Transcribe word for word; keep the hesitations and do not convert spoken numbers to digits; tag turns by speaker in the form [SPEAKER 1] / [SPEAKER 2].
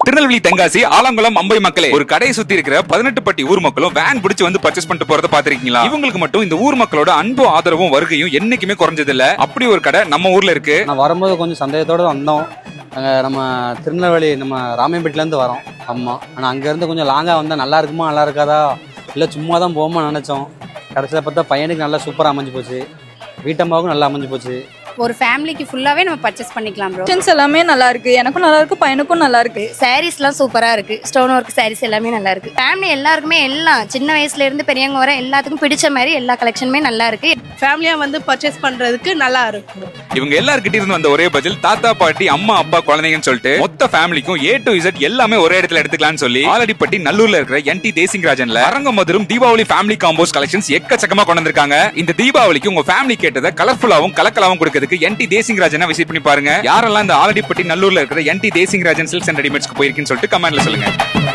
[SPEAKER 1] திருநெல்வேலி தென்காசி ஆலங்குளம் அம்பை மக்களே, ஒரு கடையை சுத்தி இருக்கிற பதினெட்டு பட்டி ஊர் மக்களும் வேன் பிடிச்சு வந்து பர்ச்சேஸ் பண்ணிட்டு போறத பாத்திருக்கீங்களா? இவங்களுக்கு மட்டும் இந்த ஊர் மக்களோட அன்பு ஆதரவும் வருகையும் என்னைக்குமே குறைஞ்சது இல்ல. அப்படி ஒரு கடை நம்ம ஊர்ல இருக்கு.
[SPEAKER 2] நான் வரும்போது கொஞ்சம் சந்தேகத்தோட வந்தோம். நம்ம திருநெல்வேலி நம்ம ராமையன்பேட்டில இருந்து வரோம். ஆமா, ஆனா அங்க இருந்து கொஞ்சம் லாங்கா வந்தா நல்லா இருக்குமா நல்லா இருக்காதா இல்ல சும்மா தான் போமா நினைச்சோம். கடைசியில பார்த்தா பையனுக்கு நல்லா சூப்பரா அமைஞ்சு போச்சு, வீட்டம்மாவுக்கும் நல்லா அமைஞ்சு போச்சு.
[SPEAKER 3] ஒரு ஃபேமிலிக்கு ஃபுல்லாவே நம்ம பர்ச்சேஸ் பண்ணிக்கலாம் ப்ரோ.
[SPEAKER 4] ஆப்ஷன்ஸ் எல்லாமே நல்லா இருக்கு, எனக்கும் நல்லா இருக்கு, பையனுக்கும் நல்லா இருக்கு.
[SPEAKER 3] சாரீஸ்லாம் சூப்பரா இருக்கு, ஸ்டோன் ஒர்க் சாரீஸ் எல்லாமே நல்லா இருக்கு. ஃபேமிலி எல்லாருக்குமே எல்லாம் சின்ன வயசுல இருந்து பெரியவங்க வர எல்லாத்துக்கும் பிடிச்ச மாதிரி எல்லா கலெக்ஷனுமே நல்லா இருக்கு.
[SPEAKER 5] ஃபேமிலியா வந்து பர்ச்சேஸ் பண்றதுக்கு நல்லா இருக்கும்.
[SPEAKER 1] இவங்க எல்லார்கிட்ட இருந்து வந்த ஒரே பதில் தாத்தா பாட்டி அம்மா அப்பா குழந்தைங்கன்னு சொல்லிட்டு மொத்த ஃபேமிலிக்கும் ஏ டு இசட் எல்லாமே ஒரே இடத்துல எடுத்துக்கலாம்னு சொல்லி ஆலடிப்பட்டி நல்லூர்ல இருக்கிற என் டி தேசிங்கராஜன்ல Arangamadhuram Deepavali family combos collections எக்கச்சக்கமா கொண்டு வந்திருக்காங்க. இந்த தீபாவளிக்கு உங்க ஃபேமிலி கேட்டதை கலர்ஃபுல்லாவும் கலக்கலாவும் கொடுக்கிறதுக்கு என் டி தேசிங்கராஜன் விசிட் பண்ணி பாருங்க. யாரெல்லாம் இந்த ஆலடிப்பட்டி நல்லூர்ல இருக்கிற N D Desingarajan silks and ரெடிமேட்ஸ்க்கு போயிருக்குன்னு சொல்லிட்டு கமெண்ட்ல சொல்லுங்க.